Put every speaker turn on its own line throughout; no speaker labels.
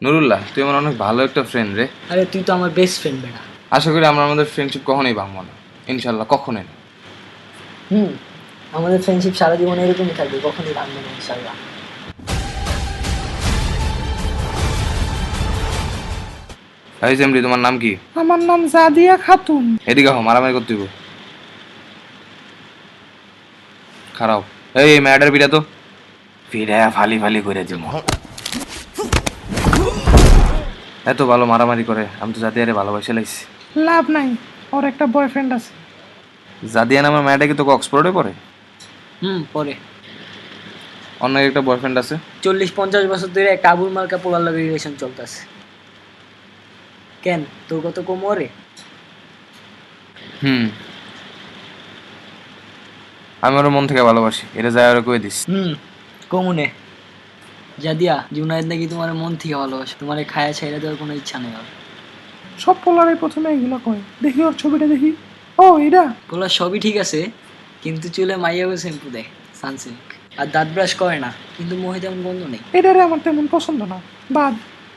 নুরুল্লাহ, তুই আমার অনেক ভালো একটা ফ্রেন্ড রে।
আরে তুই তো আমার বেস্ট ফ্রেন্ড বেটা।
আশা করি আমরা আমাদের ফ্রেন্ডশিপ কখনোই ভাঙবো না, ইনশাল্লাহ কখনোই না।
হুম, আমাদের ফ্রেন্ডশিপ সারা জীবন এরকমই থাকবে, কখনই ভাঙবে না ইনশাল্লাহ।
এই জেমরি, তোমার নাম কি?
আমার নাম জাদিয়া খাতুন।
এদিকে হো, মারামারি করতে হইব। খারাপ। এই ম্যাডার বিটা তো ফিরে ফালি ফালি করে দিব। এত ভালো মারামারি করে, আমি তো জাদিয়ারে ভালোবাসে লাইছি।
লাভ নাই, ওর একটা বয়ফ্রেন্ড আছে।
জাদিয়া নামের মেয়েটা কি তোকে অক্সফোর্ডে পড়ে?
পরে
অন্য একটা বয়ফ্রেন্ড আছে।
40-50 বছর ধরে একটা আবুল মার্কা পোলার লাগে রিলেশন চলতেছে। কেন, তোর কত কম ওরে?
আমি ওর মন থেকে ভালোবাসি, এটা যায় ওরা কয়ে দিস।
কমুনে জাদিয়া, জুনায়েদ নাকি তোমার মন থেকে ভালোবাসে, তোমার খায়া ছাইরা দেওয়ার কোনো ইচ্ছা নেই ওর।
সব পোলারে প্রথমে এগুলো কয়। দেখি ওর ছবিটা দেখি। ও এটা
পোলার সবই ঠিক আছে, কিন্তু চুলে মাইয়াবে শ্যাম্পু দেয়, সানসিল্ক, আর দাঁত ব্রাশ করে না, কিন্তু মুখে তেমন গন্ধ নেই।
এটারে আমার তেমন পছন্দ না, বাদ।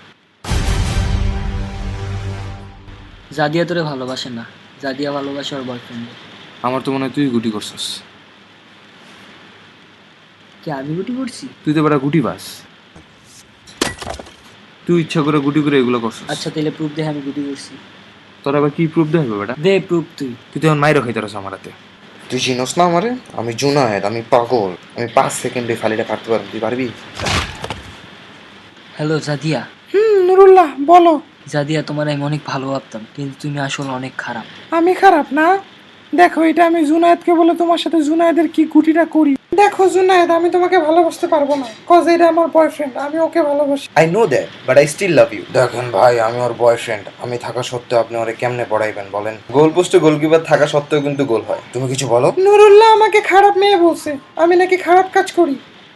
জাদিয়া তোরে ভালোবাসে না, জাদিয়া ভালোবাসে ওর বয়ফ্রেন্ড।
আমার তো মনে হয় তুই গুটি করছিস।
কি আমি গুটি করছি?
তুই তো বেটা গুটি বাস, তুই ইচ্ছা করে গুটি করে এগুলো করছিস।
আচ্ছা তাহলে প্রুফ দে আমি গুটি করছি।
তোর আবার কি প্রুফ দেবে বেটা?
দে প্রুফ তুই।
তুই তো এখন মাইরও খাইতে রস আমার হাতে।
তুই চিনস না আমারে? আমি জুনায়েদ, আমি পাগল। আমি 5 সেকেন্ডে ফালিটা কাটতে পারবো, তুই পারবি?
হ্যালো জাদিয়া।
নুরুল্লাহ বলো।
জাদিয়া, তোমার আমি অনেক ভালো ভাবতাম, কিন্তু তুমি আসলে অনেক খারাপ।
আমি খারাপ না? দেখো, এটা আমি জুনায়েদকে বলে তোমার সাথে জুনায়েদের কি গুটিটা করি। দেখো জুনায়েদ, আমি তোমাকে ভালোবাসতে পারবো না, কজ এটা আমার বয়ফ্রেন্ড, আমি ওকে ভালোবাসি।
I know that, but I still love you. দেখেন ভাই, আমি ওর বয়ফ্রেন্ড। আমি থাকা সত্ত্বেও আপনি ওরে কেমনে পড়াইবেন বলেন? গোল পোস্টে গোলকিপার থাকা সত্ত্বেও কিন্তু গোল হয়। তুমি কিছু বলো।
নুরুল্লাহ আমাকে খারাপ মেয়ে বলছে, আমি নাকি খারাপ কাজ করি।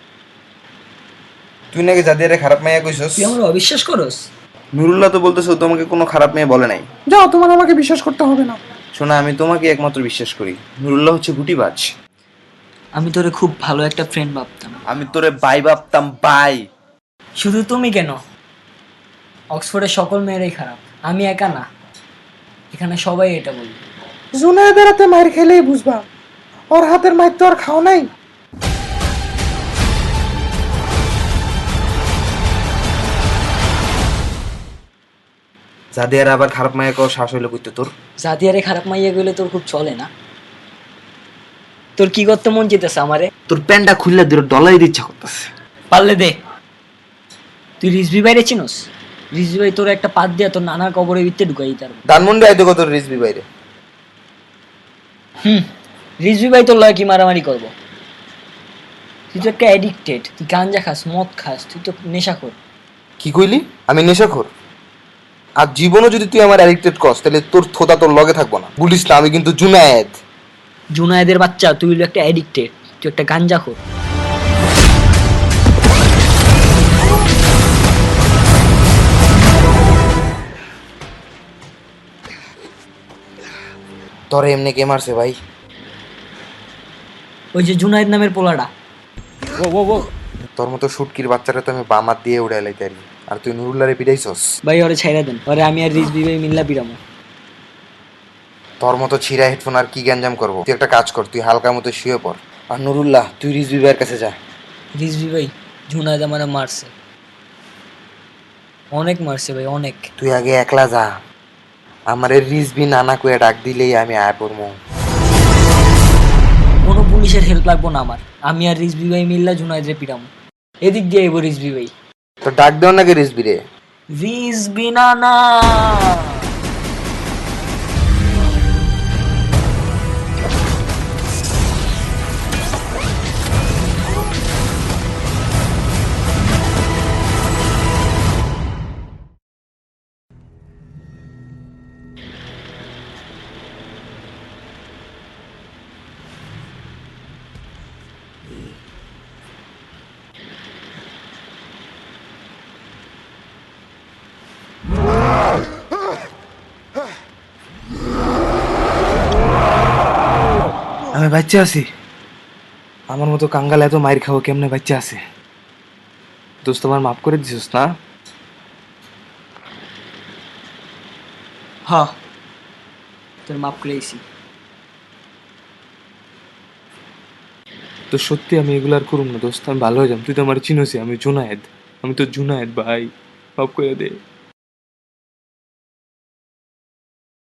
তুই নাকি জাদিয়ারে খারাপ মেয়ে কইছস?
তুই আমার অবিশ্বাস করস?
নুরুল্লাহ তো বলতেছে ও তোমাকে কোনো খারাপ মেয়ে বলে নাই।
যাও, তোমার আমাকে বিশ্বাস করতে হবে না।
শোনা, আমি তোমাকে একমাত্র বিশ্বাস করি। নুরুল্লাহ হচ্ছে গুটিবাজ।
আমি তোরে খুব ভালো একটা ফ্রেন্ড ভাবতাম।
আমি তোরে বাই ভাবতাম, বাই।
শুধু তুমি কেন, অক্সফোর্ডের সকল মেয়েরাই খারাপ, আমি একা না, এখানে সবাই এটা বলবে।
জুনায়েদের হাতে মায়ের খেলেই বুঝবা, ওর হাতের মায়ের তো আর খাও নাই।
জাদিয়ার আবার খারাপ মায়া কও শ্বাস হইলো কইতে তোর?
জাদিয়ারে খারাপ মাইয়া গেলে তোর খুব চলে না? তোর কি করতে মন চেতেছে আমারে?
তোর প্যান্টটা খুললে দূরে ডলাই ইচ্ছা করতেছে।
পারলে দে। তুই রিজভি বাইরে চিনোস? রিজভি ভাই তোর একটা পাত দিয়া তোর নানার কবরের ভিতরে ঢুকাই তার।
ধানমন্ডি আইতো কত রিজবি বাইরে।
রিজভি ভাই তোর লয় কি মারামারি করবো? তুই তো একটা অ্যাডিক্টেড, তুই গাঞ্জা খাস, মদ খাস, তুই তো নেশাখোর।
কি কইলি? আমি নেশাখোর? আর জীবনও যদি তুই আমার অ্যাডিক্টেড করস, তাহলে তোর থোতা তোর লগে থাকবো না। বলিস না, আমি কিন্তু জুনায়েদ।
জুনায়েদের বাচ্চা, তুই হলো একটা অ্যাডিক্টেড, তুই একটা গাঞ্জাখোর।
তোরে এমনি কে মারছে ভাই?
ওই যে জুনায়েদ নামের পোলাটা।
তোর মতো শুটকির বাচ্চাটা তো আমি বামাত দিয়ে উড়াই লাইতে পারি, আর তুই নুরুল্লারে পিটাইছস।
ভাই ওরে ছাইরা দেন, ওরে আমি আর রিজভি ভাই মিল্লা পিরামো।
তোর মতো ছিঁড়া হেডফোন আর কি গ্যাঞ্জাম করবো? তুই একটা কাজ কর, তুই হালকা মতো শুয়ে পড়। আর নুরুল্লাহ, তুই রিজবি ভাইয়ের কাছে যা।
রিজভি ভাই, জুনায়েদ আমার মারছে, অনেক মারছে ভাই, অনেক।
তুই আগে একলা যা, আমারে রিজবি নানা কইয়া ডাক দিলেই আমি আয় পড়মু।
কোনো পুলিশের হেল্প লাগবো না আমার, আমি আর রিজভি ভাই মিল্লা জুনায়েদরে পিরামো। এদিক দিয়ে আইবো রিজভি ভাই।
তো ডাক দেও নাকি রিজবি রে?
রিজভি নানা।
আমি বাচ্চা আছি, আমার মতো কাঙ্গাল এত মাইর খাবো কেমনে বাচ্চা আছে? দোস্ত আমার মাফ করে দিছিস না?
হ্যাঁ, তোর মাপ করেছি।
তো সত্যি আমি এগুলো আর করুম না দোস্ত, আমি ভালো হয়ে যাম। তুই তো আমার চিনোসি, আমি জুনায়েদ, আমি তো জুনায়েদ ভাই, মাফ করে দে।